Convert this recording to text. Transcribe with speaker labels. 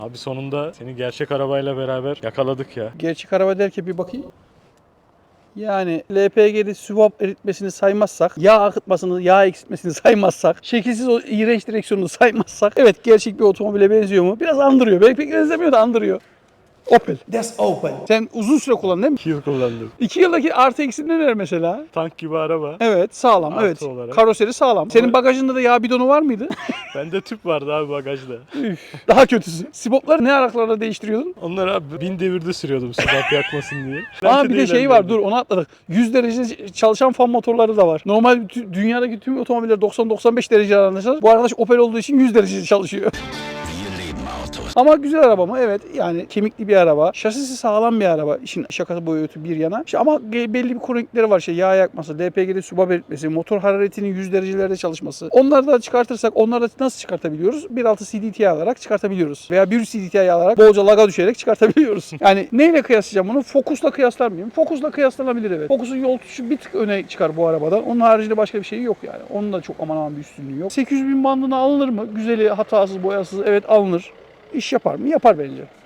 Speaker 1: Abi sonunda seni gerçek arabayla beraber yakaladık ya.
Speaker 2: Gerçek araba derken bir bakayım. Yani LPG'de swap eritmesini saymazsak, yağ akıtmasını, yağ eksiltmesini saymazsak, şekilsiz o iğrenç direksiyonunu saymazsak, evet gerçek bir otomobile benziyor mu? Biraz andırıyor. Belki pek benzemiyor da andırıyor. Opel. That's Opel. Sen uzun süre kullandın değil mi?
Speaker 1: 2 yıl kullandım.
Speaker 2: 2 yıldaki artı eksi neler mesela?
Speaker 1: Tank gibi araba.
Speaker 2: Evet sağlam.
Speaker 1: Artı
Speaker 2: Evet.
Speaker 1: olarak.
Speaker 2: Karoseri sağlam. Senin bagajında da yağ bidonu var mıydı?
Speaker 1: Bende tüp vardı abi bagajda.
Speaker 2: Üf, daha kötüsü. Sibopları ne aralıklarla değiştiriyordun?
Speaker 1: Onları abi 1000 devirde sürüyordum sıcak yakmasın diye.
Speaker 2: Aa bir de şey var,
Speaker 1: Eğlendirdi.
Speaker 2: dur onu atladık. 100 derece çalışan fan motorları da var. Normal dünyadaki tüm otomobiller 90-95 derece arasında. Bu arkadaş Opel olduğu için 100 derece çalışıyor. Ama güzel araba mı? Evet. Yani kemikli bir araba. Şasisi sağlam bir araba. İşin şakası boyutu bir yana. İşte ama belli bir kronikleri var. Yağ yakması, LPG'de su belirtmesi, motor hararetinin 100 derecelerde çalışması. Onları da çıkartırsak, onları da nasıl çıkartabiliyoruz? 1.6 CDTI alarak çıkartabiliyoruz. Veya 1 CDTI alarak bolca laga düşerek çıkartabiliyoruz. Yani neyle kıyaslayacağım bunu? Focus'la kıyaslar mıyım? Focus'la kıyaslanabilir evet. Focus'un yol tutuşu bir tık öne çıkar bu arabadan. Onun haricinde başka bir şey yok yani. Onun da çok aman aman bir üstünlüğü yok. 800.000 bandına alınır mı? Güzeli, hatasız, boyasız evet alınır. İş yapar mı? Yapar bence.